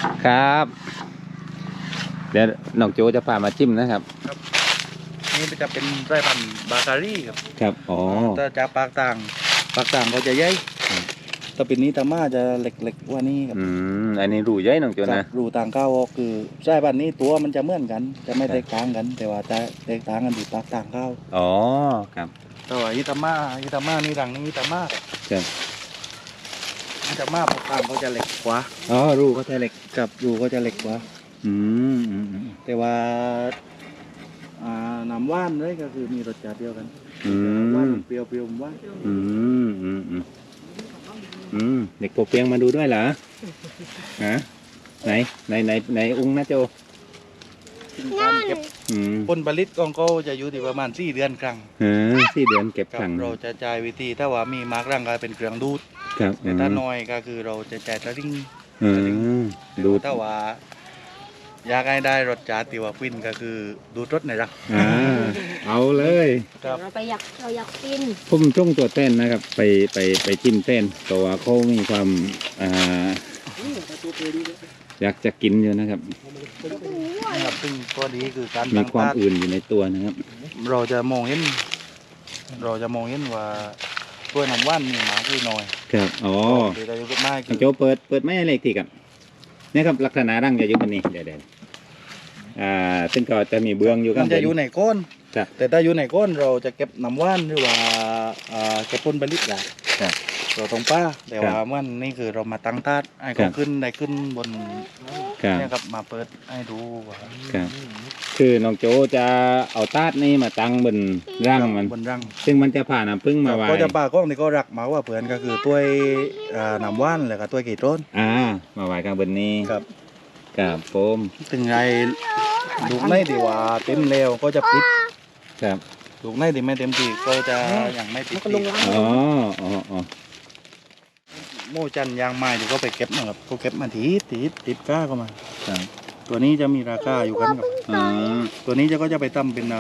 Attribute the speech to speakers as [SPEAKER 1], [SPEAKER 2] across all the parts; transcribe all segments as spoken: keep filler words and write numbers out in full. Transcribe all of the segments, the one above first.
[SPEAKER 1] ครับเดี๋ยวน้องโจจะพามาจิ้มนะครับ
[SPEAKER 2] ครับนี่จะเป็นไส้พันธุ์บาการีครับ
[SPEAKER 1] ครับอ๋อ
[SPEAKER 2] ถ้าจากปากต่างปากต่างก็จะใหญ่ถ้าเป็นนี้ตาม่าจะเล็กๆกว่านี้ครับ
[SPEAKER 1] อืมอันนี้รูใหญ่น้องโจนะ
[SPEAKER 2] รูต่างก้าวคือไส้พันธุ์นี้ตัวมันจะเหมือนกันจะไม่แตกต่างกันแต่ว่าจะแตกต่างกันที่ปากต่างก้าว
[SPEAKER 1] อ๋อครับ
[SPEAKER 2] แต่ว่าอิตาม่าอิตาม่านี่รังนี้อิตาม่า
[SPEAKER 1] ครับ
[SPEAKER 2] อิตาม่าปากต่างก็จะเล็กกว่า
[SPEAKER 1] อ๋อรูก็จะเล็ก
[SPEAKER 2] กับรูก็จะเล็กกว่า
[SPEAKER 1] อืมอืม
[SPEAKER 2] แต่ว่าอ่าน้ำว่านเลยก็คือมีรสชาติเดียวกันว่านเปรี้ยวเปรี้ยวว่าน
[SPEAKER 1] อืมอืมอืมอืมเด็กโปเปียงมาดูด้วยเหรอฮะไหนไหนไหนไหนอุ้งนะโจ
[SPEAKER 2] การเก็บผลผลิตของเขาจะอยู่ที่ประมาณสี่เดือนครั้ง
[SPEAKER 1] เออสี่เดือนเก็บครั้ง
[SPEAKER 2] เราจะจ่ายวิธีถ้าว่ามีมาร์กร่างกายเป็นเครื่องดูด
[SPEAKER 1] ครับ
[SPEAKER 2] แต่ถ้าน้อยก็คือเราจะจ่ายตะลิ่ง
[SPEAKER 1] ดู
[SPEAKER 2] ถ้าว่าอยากให้ได้รสชาติที่ว่าฟินก็คือดูดรสในรัง
[SPEAKER 1] เอาเลย
[SPEAKER 3] เราไปอยากเราอยากกิน
[SPEAKER 1] พุ่มจ้องตัวเต้นนะครับไปไปไปจิ้มเต้นตัวเขามีความอ่าอยากจะกินอยู่นะครับ
[SPEAKER 2] นะครับซึ่งตัวนี้คือการ
[SPEAKER 1] มีความอื่นอยู่ในตัวนะครับ
[SPEAKER 2] เราจะมองเห็นเราจะมองเห็นว่าตัวน้ำว่านมีหมาคือน้อย
[SPEAKER 1] ครับอ๋อ
[SPEAKER 2] เดี๋ยวจะมา
[SPEAKER 1] โจเปิดเปิดไม่อะไรทีครับนี่ครับลักษณะร่างจะอยู่บนนี้เดี๋ยวเดี๋ยวอ่าซึ่งก็จะมีเบื้องอยู่กัน
[SPEAKER 2] จะอยู่ในก้นแต่ถ้าอยู่ในก้นเราจะเก็บน้ำว่านหรือว่าเก็บผลผลิตได้เราตรงป้าแต่ว่ามันนี่คือเรามาตั้งธาตุให้เขาขึ้นได้ขึ้นบนนี่ครับมาเปิดให้ดู
[SPEAKER 1] ครับคือน้องโจจะเอาธาตุนี่มาตั้งบนร่างมัน
[SPEAKER 2] บนร่าง
[SPEAKER 1] ซึ่งมันจะผ่านน้ำพึ่งมาไว้
[SPEAKER 2] ก็จะป่าก้องนี่ก็รักมาว่าเพื่อนก็คือตัวน้ำว่านแล้วก็ตัวกี่ต้น
[SPEAKER 1] อ่ามาไว้ข้างบนนี้
[SPEAKER 2] ครับ
[SPEAKER 1] กับโฟม
[SPEAKER 2] ถึงไงลูกในดีว่าเต็มเร็วก็จะปิด
[SPEAKER 1] ครับ
[SPEAKER 2] ลูกในดีไม่เต็มที่ก็จะยังไม่ปิด
[SPEAKER 1] อ๋ออ๋ออ๋อ
[SPEAKER 2] โม่จันยางไม้ที่เขาไปเก็บนะครับเขาเก็บมาทีติดติดก้าเข้ามาตัวนี้จะมีราคาอยู่กันกับตัวนี้จะก็จะไปทำเป็น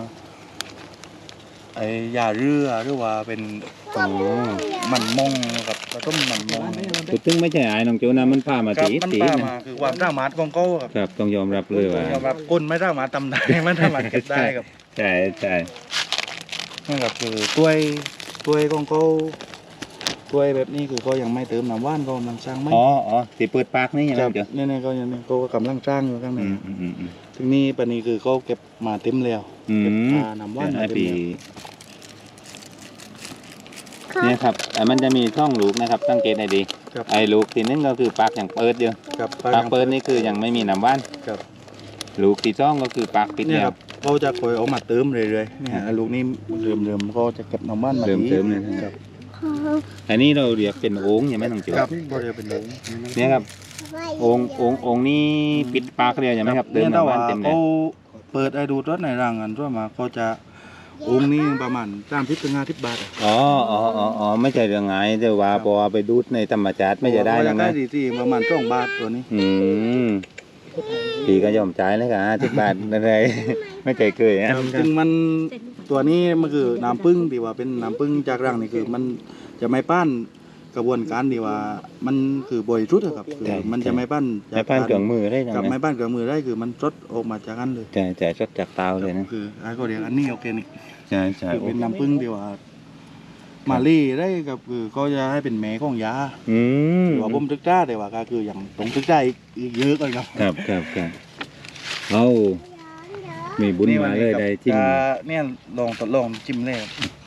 [SPEAKER 2] ไอ้ยาเรือหรือว่าเป็นมันมงกับกระต้มมันมง
[SPEAKER 1] ตัวตึ้งไม่ใช่ไอ้น้องโจนะมันพามาตี
[SPEAKER 2] ตีนะคือความสามารถของเขา
[SPEAKER 1] ครับต้องยอมรับเลยว่าย
[SPEAKER 2] อมรับคนไม่สามารถทำได้ไม่สามารถเก็บได้ครับ
[SPEAKER 1] ใช่ใช่
[SPEAKER 2] นั่นก็คือตัวตัวของเขาตัวแบบนี้คือเขายังไม่เติมน้ำว่านเขากำลังสร้างไหม
[SPEAKER 1] อ๋ออ๋อตีเปิดปากนี่ยังไง
[SPEAKER 2] เจ้าเนี่ยเนี่ยเขายังเขากำลังสร้างอยู่ข้างในทีนี้ปนี้คือเขาเก็บมาเต็มแล้วเก็บน้ำว่านมาเต็มแล้ว
[SPEAKER 1] เนี่ยครับมันจะมีช่องลูกนะครับสังเกตให้ดีไอ้ลูกที่นึงก็คือปากอย่างเปิดอยู่ปากเปิดนี่คือยังไม่มีน้ำว่านลูกที่ช่องก็คือปากปิดเนี่ย
[SPEAKER 2] เขาจะคอยเอามาเติมเรื่อยๆเนี่ยลูกนี้เริ่มเริ่มเขาจะเก็บน้ำว่านมา
[SPEAKER 1] เติมเติมเลยครับอันนี้เราเรียกเป็นโอ่งใช่ไหมน้องจิ๋ว
[SPEAKER 2] ครับเราเรียกเป็นโอ่ง
[SPEAKER 1] เนี่ยครับโอ่งโอ่งโอ่งนี้ปิดปากเรียกใช่ไหมครับ
[SPEAKER 2] เติมน้ำว่านเต็มเลยเขาเปิดไอ้ดูดรถในรังกันทั่วมาเขาจะองค์นี้ประมาณสามสิบถึงห้าสิบบาท
[SPEAKER 1] อ๋ออ๋ออ๋อไม่ใช่เรื่องไงแต่ว่าพอไปดูดในธรรมชาติไม่จะได้แล้วนะ
[SPEAKER 2] ได้ที่ประมาณสองบาทตัวนี้
[SPEAKER 1] อืมพี่ก็ยอมจ่ายเลยค่ะสิบบาทอะไรไม่เคยเคยอ่ะ
[SPEAKER 2] ซึ่งมันตัวนี้มันคือน้ำผึ้งที่ว่าเป็นน้ำผึ้งจากรังนี่คือมันจะไม่ป้านกระบวนการที่ว่ามันคือบริสุทธิ์ครับคือมันจะไม่ป้าน
[SPEAKER 1] ไม่ป้านเครื่องมือได้
[SPEAKER 2] กับไม่ป้านเครื่องมือได้คือมันสดออกมาจากนั้นเลย
[SPEAKER 1] ใช่ใช่สดจากเตาเลยนะ
[SPEAKER 2] คือไอ้ก็เรียกอันนี้โอเคนี่
[SPEAKER 1] ใช่ใช่
[SPEAKER 2] คือเป็นน้ำผึ้งที่ว่ามาลี่ได้กับคือก็จะให้เป็นแม่ของยา
[SPEAKER 1] อืม
[SPEAKER 2] ว่าผมตึกจ้าแต่ว่าก็คืออย่างตรงตึกจ้าอีกเยอะเลยครับ
[SPEAKER 1] ครับครับครับเอามีบุญมาเลยได้จิ้ม
[SPEAKER 2] เนี่ยลองทดลองจิ้มเลย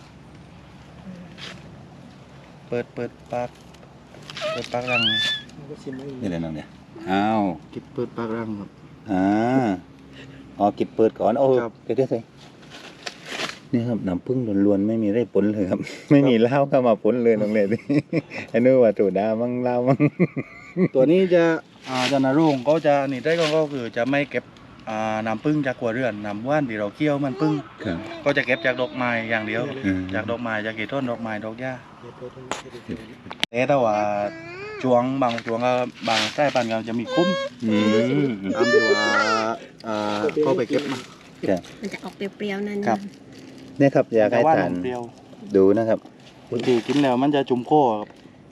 [SPEAKER 2] เปิดเปิดปากเปิดปากรัง
[SPEAKER 1] นี่เลยน้องเนี่ยอ้าว
[SPEAKER 2] กิบเปิดปากรังครับ
[SPEAKER 1] อ่าอ๋อกิบเปิดก่อนโอ้เดี๋ยวเดี๋ยวนี่ครับน้ำผึ้งล้วนๆไม่มีได้ผลเลยครับไม่มีเหล้าเข้ามาผลเลยน้องเลยไอ้นู้ว่าตัวดามั่งเหล้ามั่ง
[SPEAKER 2] ตัวนี้จะอ่าจะนารุ่งก็จะนี่ได้ก็คือจะไม่เก็บอ่าน้ำผึ้งจากกัวเรือนน้ำว่านที่เราเคี่ยวมันผึ้งก็จะเก็บจากดอกไม้อย่างเดียวจากดอกไม้จากกี่ต้นดอกไม้ดอกหญ้าแต่ถ้าว่าช่วงบางช่วงก็บางใต้ปันก็จะมีคุ้มตามที่ว่าอ่าก็ไปเก็บมา
[SPEAKER 3] มันจะออกเปรี้ยวๆนั่น
[SPEAKER 2] ครับ
[SPEAKER 1] นี่ครับอยากให้ทานดูนะครับ
[SPEAKER 2] บางทีกินแล้วมันจะจุ่มโค้ครับ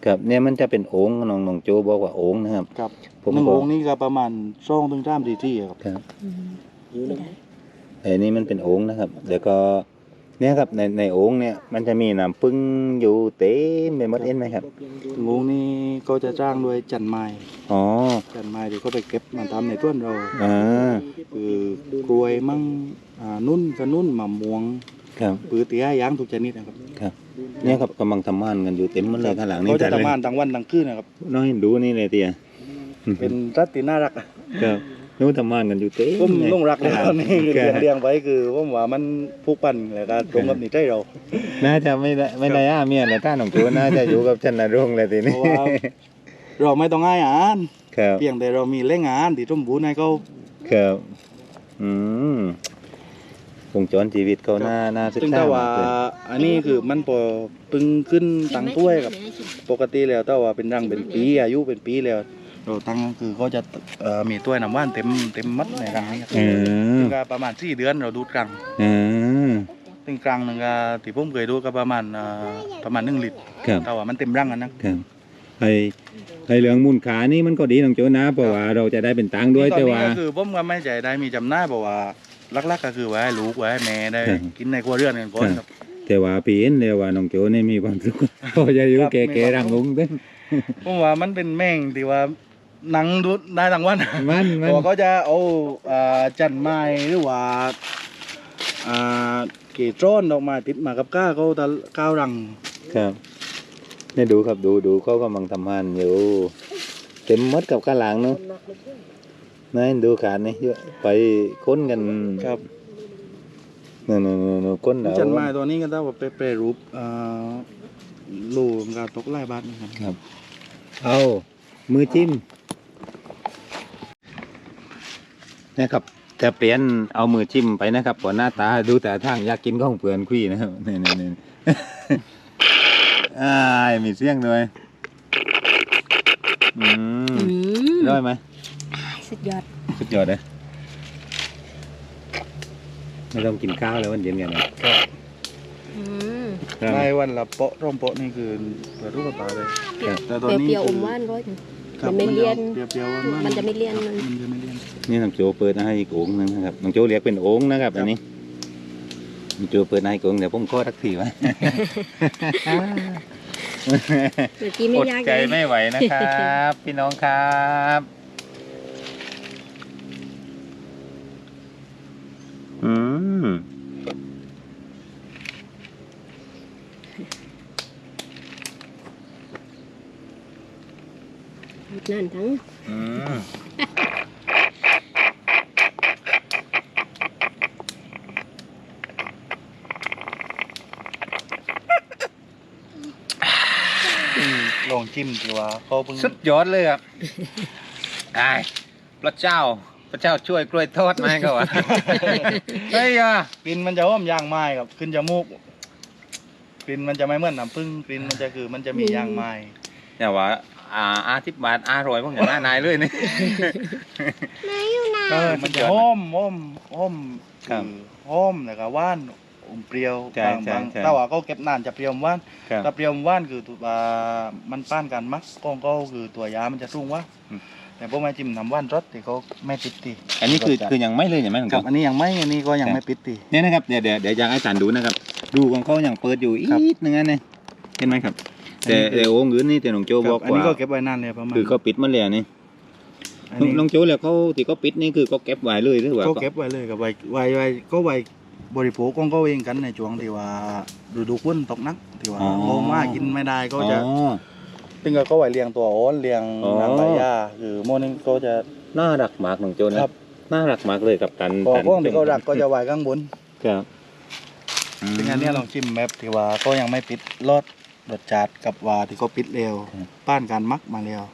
[SPEAKER 1] ครับเนี่ยมันจะเป็นโอ่งน้องน้องโจบอกว่าโอ่งนะครับ
[SPEAKER 2] ครับ
[SPEAKER 1] ผม
[SPEAKER 2] หนึ่ง
[SPEAKER 1] ก็
[SPEAKER 2] องค์นี้ก็ประมาณสองถึงสามทีๆครับ
[SPEAKER 1] ครับ
[SPEAKER 3] อืมไม่ได้
[SPEAKER 1] ไอ้นี่มันเป็นโอ่งนะครับเดี๋ยวก็เนี่ยครับในในโอ่งเนี่ยมันจะมีน้ำผึ้งอยู่เต็มไปหมดเอ็นไหมครับ
[SPEAKER 2] องค์นี้ก็จะจ้างด้วยจันไม้
[SPEAKER 1] อ๋อ
[SPEAKER 2] จันไม้ที่เขาไปเก็บมาทำในต้นเรา
[SPEAKER 1] อ่า
[SPEAKER 2] คือกล้วยมั่งอ่านุ่นกระนุ่นมะม่วง
[SPEAKER 1] ครับ
[SPEAKER 2] ปือเตี้ยยางทุกชนิดนะครับ
[SPEAKER 1] ครับเนี่ยครับกำลังทำงานกันอยู่เต็มหมดเลยข้างหลังนี่
[SPEAKER 2] เขาจะ
[SPEAKER 1] จัดเลย
[SPEAKER 2] ทำงานทั้งวันทั้งคืนนะครับ
[SPEAKER 1] น้อยดูนี่เลยเตีย
[SPEAKER 2] เป็นรัตติน่ารักอะ
[SPEAKER 1] ครับนู้นทำงานกันอยู่เต็ม
[SPEAKER 2] ผม
[SPEAKER 1] เลย
[SPEAKER 2] ลงรักเลยตอนนี้
[SPEAKER 1] ครั
[SPEAKER 2] เลี้ย
[SPEAKER 1] บ
[SPEAKER 2] งเลี้ยงไว้คือผมว่ามันผูกพันแล้วก็ตรงกับนิสัยเรา
[SPEAKER 1] น่าจะไม่ได้ไม่ได้อาเมียแต่ถ้าหนองจูน่าจะอยู่กับชันนรงค์เลยที
[SPEAKER 2] เพ
[SPEAKER 1] นี้
[SPEAKER 2] ราะว่าเราไม่ต้องให้อาหาร
[SPEAKER 1] ครับ
[SPEAKER 2] เพียงแต่เรามีแหล่งอาหารที่สมบูรณ์ให้เขา
[SPEAKER 1] ครับอืมวงจรชีวิตเขาน่าน่าศึก
[SPEAKER 2] ซึ่ง
[SPEAKER 1] ษา
[SPEAKER 2] ถ้าว่า
[SPEAKER 1] มากเลย
[SPEAKER 2] อันนี้คือมันพอปึงขึ้นตังถ้วยกับปกติแล้วถ้าว่าเป็นรังเป็นปีอายุเป็นปีแล้วเราตั้งคือเขาจะเอ่อมีถ้วยน้ำว่านเต็มเต็มมัดในรังนี้ครับ
[SPEAKER 1] เออ
[SPEAKER 2] ซึ่งก็ประมาณสี่เดือนเราดูดกลาง
[SPEAKER 1] เออ
[SPEAKER 2] ซึ่งกลางหนึงก็ที่ผมเคยดูก็ประมาณเอ่อประมาณหนึ่งลิตร
[SPEAKER 1] ครับ
[SPEAKER 2] แต่ว่ามันเต็มรังอันนั้น
[SPEAKER 1] ครับไอไอเรื่องมูลค่านี่มันก็ดีน้องโจนะเพราะว่าเราจะได้เป็นตังค์ด้วย
[SPEAKER 2] ตอน
[SPEAKER 1] แต่
[SPEAKER 2] นี้
[SPEAKER 1] ว่า
[SPEAKER 2] ก็คือผมก็ไม่ใจได้มีจำหน่ายเพราะว่าลักๆก็คือไว้ให้ลูกไว้ให้แม่ได้
[SPEAKER 1] ครับ
[SPEAKER 2] กินในครัวเรือนกันก่อนครับ
[SPEAKER 1] แต่ว่าปีนเลยว่าน้องโจนี่มีความสุข พอจะอยู่
[SPEAKER 2] ครับ
[SPEAKER 1] แก่ๆรังงงเด้น
[SPEAKER 2] ผมว่ามันเป็นแม่งที่ว่าหนังดูได้ทั้งวัน
[SPEAKER 1] มันมัน
[SPEAKER 2] ตัวก็จะเอาอ่าจันไม้หรือว่าอ่าเกจร้อนออกมาติดมากับก้าเขาตะก้าวรัง
[SPEAKER 1] ครับนี่ดูครับดูดูเขากำลังทำงานอยู่เต็มหมดกับกระหลังเนาะนั่นดูขาดนี่เยอะไปค้นกัน
[SPEAKER 2] ครับ
[SPEAKER 1] นู่นนู่นนู่นนู่นค้นเอา
[SPEAKER 2] จันไม้ตัวนี้ก็ต้องว่าไปแปรรูปอ่าลูกกาตกไล่บาทนะครับ
[SPEAKER 1] ครับเอามือจิ้มนะครับจะเปลี่ยนเอามือจิ้มไปนะครับก่อนหน้าตาดูแต่ทางอยากกินข้องเปลือนคุยนะครับนี่นี่นี่ อ่ามีเสียงด้วยอืม
[SPEAKER 3] อืม
[SPEAKER 1] ได้ไหม
[SPEAKER 3] สุดยอด
[SPEAKER 1] สุดยอดเลยไม่ต้องกินข้าวแล้ววันเย็นกันนะ
[SPEAKER 3] อืม
[SPEAKER 1] ครับ
[SPEAKER 2] ในวันละโปะร่มโปะนี่คือเปิดรูปตาเลย
[SPEAKER 1] ครับ
[SPEAKER 2] แต่
[SPEAKER 3] เป
[SPEAKER 2] ตอนนี้
[SPEAKER 3] รี้ยวๆอ
[SPEAKER 2] คื
[SPEAKER 3] มหวานร้อยหนึ่ง
[SPEAKER 2] ครับ
[SPEAKER 3] มันไม่เลี่ยน
[SPEAKER 2] เปรี้ยวๆว่า
[SPEAKER 3] มันจะไม่เลี่ยน
[SPEAKER 2] ครับ
[SPEAKER 3] มัน
[SPEAKER 2] มันจะไม่เลี่ยน
[SPEAKER 1] นี่น้องโจเปิดให้อีกโอ่งหนึงนะครับน้องโจเรียกเป็นโอ่งนะครับ
[SPEAKER 2] ครับ
[SPEAKER 1] อันนี้น้องโจเปิดให้อีกโอ่งเดี๋ยวผมขอทักทีไว้
[SPEAKER 3] เมื่อกี้ไม่
[SPEAKER 1] อด
[SPEAKER 3] ยาก
[SPEAKER 1] ใจ
[SPEAKER 3] เลย
[SPEAKER 1] ไม่ไหวนะครับ พี่น้องครับอืม
[SPEAKER 3] นั่นทั้ง
[SPEAKER 1] อืม
[SPEAKER 2] ลองจิ้มดีว่าเขาเพิ่ง
[SPEAKER 1] สุดยอดเลยครับไอ้พระเจ้า พระเจ้าช่วยกล้วยทอดมาให้เขาอ่ะ เฮ้ยอ่ะ
[SPEAKER 2] กลิ่นมันจะหอมยางไม้ครับขึ้นจมูกกลิ่นมันจะไม่เหมือนน้ำผึ้งกลิ่นมันจะคือมันจะมียางไม้
[SPEAKER 1] อย่าว่าอ่าอาทิบบาทอร่อยพวกอย่างหน้านายเลยนี่
[SPEAKER 2] เออมันจะหอมหอมหอม
[SPEAKER 1] ครับ
[SPEAKER 2] คือหอมแล้วก็หวานอมเปรี้ยว
[SPEAKER 1] ใช่
[SPEAKER 2] บาง
[SPEAKER 1] ใช่
[SPEAKER 2] บาง
[SPEAKER 1] ใช่
[SPEAKER 2] ถ้าว่าเขาเก็บนานจะเปรี้ยวหวาน
[SPEAKER 1] ครับ
[SPEAKER 2] ถ้าเปรี้ยวหวานคือตัวอ่ามันป้านกันมักกองก็คือตัวยามันจะสูงว่า
[SPEAKER 1] อืม
[SPEAKER 2] แต่พวกมาจิ้มน้ำหว่านรสที่เขาไม่ติดตี
[SPEAKER 1] อันนี้คือคือยังไม่เลยใช่ไหมของ
[SPEAKER 2] ครับ
[SPEAKER 1] เขา
[SPEAKER 2] อันนี้ยังไม่อันนี้ก็ยังไม่ปิดตี
[SPEAKER 1] เนี่ยนะครับเดี๋ยวเดี๋ยวเดี๋ยวอยากให้สารดูนะครับ ดูของเขายังเปิดอยู่อี
[SPEAKER 2] ครับ
[SPEAKER 1] กนึงอันนี่เห็นไหมครับ แต่
[SPEAKER 2] อันนี้คือ
[SPEAKER 1] แต่โอ่งอื่นนี่แต่น้องโจ
[SPEAKER 2] ครับ
[SPEAKER 1] บอก
[SPEAKER 2] อันนี้
[SPEAKER 1] ว่า
[SPEAKER 2] ก็เก็บไว้นานเลยประมาณ
[SPEAKER 1] คือเขาปิดมาแล้วนี่
[SPEAKER 2] อันนี้
[SPEAKER 1] น้องโจแล้วเขาที่เขาปิดนี่คือเขาเก็บไว้เลยหรือว่า
[SPEAKER 2] ก็เก็บไว้เลยกับไว้ไว้ไว้ก็ไว้บริโภคของเขาเองกันในช่วงที่ว่าฤดูฝนตกหนักที่ว่าโงมากินไม่ได้ก็จะ
[SPEAKER 1] อ๋อ
[SPEAKER 2] ซึ่งก็เขาไว้เลี้ยงตัวโอนเลี้ยง
[SPEAKER 1] อ๋อ
[SPEAKER 2] นางใบหญ้าคือโมนึงก็จะ
[SPEAKER 1] น่ารักมากน้องโจนะครับ น่ารักมากเลยกับกัน
[SPEAKER 2] พอ
[SPEAKER 1] กัน
[SPEAKER 2] พวกที่เขารักก็จะไว้ข้างบน
[SPEAKER 1] ครับ
[SPEAKER 2] ซึ่งอันเนี้ยลองชิมแบบที่ว่าก็ยังไม่ปิดรสรสจัดกับว่าที่เขาปิดเร็วป้านการมักมาแล้ว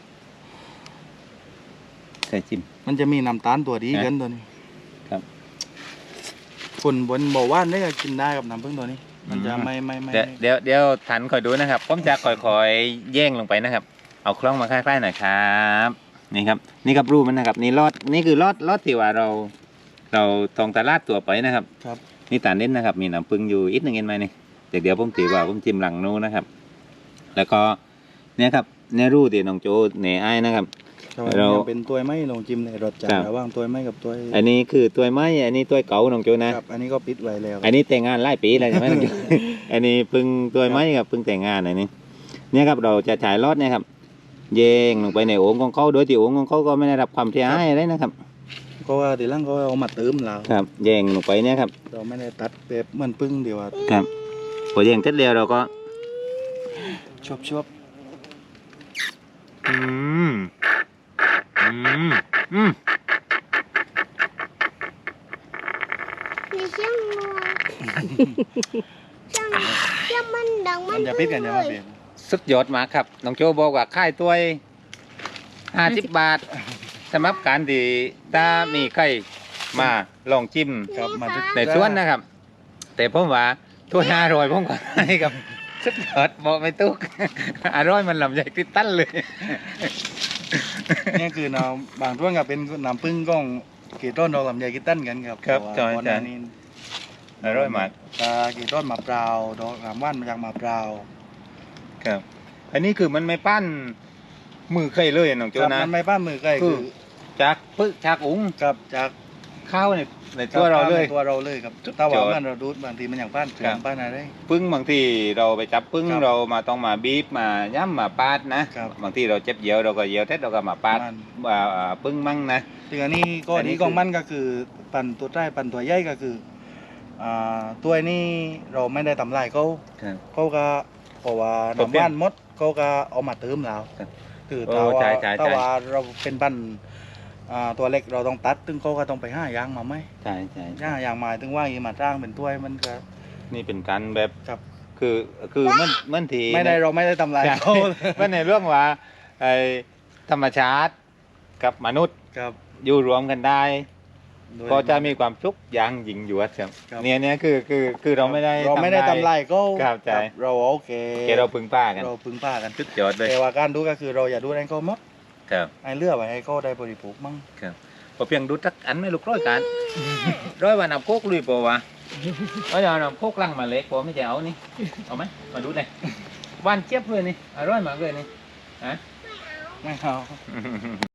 [SPEAKER 1] ใส่จิ้ม
[SPEAKER 2] มันจะมีน้ำตาลตัวดี
[SPEAKER 1] ฮะ
[SPEAKER 2] กันตัวนี้
[SPEAKER 1] ครับ
[SPEAKER 2] คนบนบอกว่านี่ก็กินได้กับน้ำผึ้งตัวนี้ มันจะ
[SPEAKER 1] อืม
[SPEAKER 2] ไม่ไม่ไม่
[SPEAKER 1] เดี๋ยวเดี๋ยวเดี๋ยวทันคอยดูนะครับผมจะคอยคอยๆแย่งลงไปนะครับ เอาคล้องมาใกล้ๆหน่อยครับนี่ครับ นี่ครับรูปมันนะครับ นี่รอดนี่คือรอดรอดที่ว่าเรา เราทองตลาดตัวไปนะครับ
[SPEAKER 2] ครับ
[SPEAKER 1] นี่ตาเน้นนะครับ มีน้ำปึ้งอยู่อีกหนึ่งเห็นไหมนี่เดี๋ยวเดี๋ยวผมถือว่าผมจิ้มหลังนู้นนะครับ แล้วก็เนี่ยครับเนี่ยรูที่น้องโจเหน่ไอ้ายนะครับ เรา
[SPEAKER 2] เราเป็นตัวไม้ลองจิ้มในรสจัด
[SPEAKER 1] ครับ
[SPEAKER 2] ระหว่างตัวไม้กับตัว
[SPEAKER 1] อันนี้คือตัวไม้อันนี้ตัวเก่าน้องโจนะ
[SPEAKER 2] ครับอันนี้ก็ปิดไว้แล้ว
[SPEAKER 1] อันนี้แต่งงานหลายปีแล้วใช่ไหม น้องโจ อันนี้เพิ่งตัวไม้ครับเพิ่งแต่งงานอันนี้เนี่ยครับเราจะฉายรอดเนี่ยครับแยงลงไปในโอ่งของเขาโดยที่โอ่งของเขาก็ไม่ได้รับความเสียหายอะไรนะครับ
[SPEAKER 2] ก็ว่าทีหลังก็เอามาเติมเรา
[SPEAKER 1] ครับแยงลงไปเนี่ยครับ
[SPEAKER 2] เราไม่ได้ตัดแบบเหมือนพึ่งเดียวอะ
[SPEAKER 1] ครับพอแยงเสร็จแล้วเราก็
[SPEAKER 2] ชวบชวบ
[SPEAKER 1] อืมอืมอืม
[SPEAKER 4] มีเสียงงัวเสียงเสียงมันดังมั
[SPEAKER 2] มัน นจะปิดกันยังไงเปลี่ยน
[SPEAKER 1] สุดยอดมากครับน้องโจบอกว่าค่ายตัวห้าสิบบาทสำหรับการที่ถ้ามีใครมาลองจิ้ม
[SPEAKER 2] ครับมาดึก
[SPEAKER 1] ในสวนนะครับ แต่ผมว่าถ้วยห้าร้อยผมก็ให้ครับสุดยอดบอกไม่ตุก อร่อยมันลำใหญ่ติดตั้นเลย
[SPEAKER 2] นี่คือน้ำบางท่วนก็เป็นน้ำพึ่งก้องเกต้นดอกลำไยกินตั้นกันครับ
[SPEAKER 1] ครับ
[SPEAKER 2] แต่ว่า
[SPEAKER 1] จอย
[SPEAKER 2] ก่อนห
[SPEAKER 1] จอ
[SPEAKER 2] น้าย นี้
[SPEAKER 1] อร่อยมาก
[SPEAKER 2] ตาเกต้นมะพร้าวดอกลำว่านมาจากมะพร้าว
[SPEAKER 1] ครับ อันนี้คือมันไม่ปั้นมือใครเลยน้องโจ
[SPEAKER 2] ครับ
[SPEAKER 1] นะ
[SPEAKER 2] มันไม่ป้ามือใกล้
[SPEAKER 1] คื
[SPEAKER 2] คือ อ
[SPEAKER 1] จากปึ๊กจากอุ๋ง
[SPEAKER 2] ครับจาก
[SPEAKER 1] ข้าวในในตัวเราเลย
[SPEAKER 2] ตัวเราเลยครับ
[SPEAKER 1] สุดยอด
[SPEAKER 2] ถ้าว่ามันเราดูดบางทีมันอย่างป้านเสือ
[SPEAKER 1] ครับ
[SPEAKER 2] มป้านอะไร
[SPEAKER 1] ปึ้งบางทีเราไปจับปึ้ง
[SPEAKER 2] ครับ
[SPEAKER 1] เรามาต้องมาบีบมาย่ำมาปาดนะครับ บางทีเราเจ็บเยียวเราก็เยียวเท็ดเราก็มาปาด
[SPEAKER 2] มัน
[SPEAKER 1] อ่าอ่าปึ้งมั่งนะ
[SPEAKER 2] ซึ่งอันนี้ก็
[SPEAKER 1] อั
[SPEAKER 2] อั
[SPEAKER 1] น
[SPEAKER 2] น
[SPEAKER 1] นี้
[SPEAKER 2] นี้
[SPEAKER 1] คือ
[SPEAKER 2] ของมันก็คือปันตัวใต้ปันตัวใหญ่ก็คืออ่าตัวนี้เราไม่ได้ทำลายเขา
[SPEAKER 1] ครับ
[SPEAKER 2] เขาก็เพราะว่า
[SPEAKER 1] ตัวเปรี้ย
[SPEAKER 2] น้ำว่านมดเขาก็เอามาเติมเรา
[SPEAKER 1] ครับ
[SPEAKER 2] คือ
[SPEAKER 1] โอ้
[SPEAKER 2] ถ้าว่า
[SPEAKER 1] ใช่ใช่
[SPEAKER 2] ถ้า
[SPEAKER 1] ใช่
[SPEAKER 2] ว่าเราเป็นปันอ่าตัวเล็กเราต้องตัดตึงเขาก็ต้องไปห้ายางมาไหม
[SPEAKER 1] ใช่ใช่
[SPEAKER 2] ห้ายางมาตึงว่าอีมาจ้างเป็นถ้วยมันก็
[SPEAKER 1] นี่เป็นการแบบ
[SPEAKER 2] ครับ
[SPEAKER 1] คือคือมันมันที
[SPEAKER 2] ไม่ได้เราไม่ได้ทำลาย
[SPEAKER 1] ใช่
[SPEAKER 2] เขา
[SPEAKER 1] มันในเรื่องว่าไอ้ธรรมชาติกับมนุษย์
[SPEAKER 2] ครับ
[SPEAKER 1] อยู่รวมกันได้
[SPEAKER 2] โดย
[SPEAKER 1] ก็จะมีความสุขอย่างยิ่งยวดครับ
[SPEAKER 2] ครับ
[SPEAKER 1] เนี่ยเนี่ยคือคือคือเราไม่ได้
[SPEAKER 2] เราไม่ได้ทำลายเขา
[SPEAKER 1] ครับใช่
[SPEAKER 2] เราโอเค
[SPEAKER 1] แกเราพึงป้ากัน
[SPEAKER 2] เราพึ่งพากัน
[SPEAKER 1] สุดยอดเลย
[SPEAKER 2] แต่ว่าการดูก็คือเราอย่าดูให้เขาหมด
[SPEAKER 1] ครับ
[SPEAKER 2] ให้เลือกไว้ให้เขาได้บริโภคมั่ง
[SPEAKER 1] พอเพียงดูทักอันไม่ลูกร้อยกัน ร้อยวันนำโคกลุยปะวะเอาเดี๋ยวนำโคกลังมาเล็กปะไม่จะเอานี่เอาไหมมาดูหน่อยหวานเจี๊ยบเลยนี่อร่อยมากเลยนี่ฮะ
[SPEAKER 2] ไม่เอา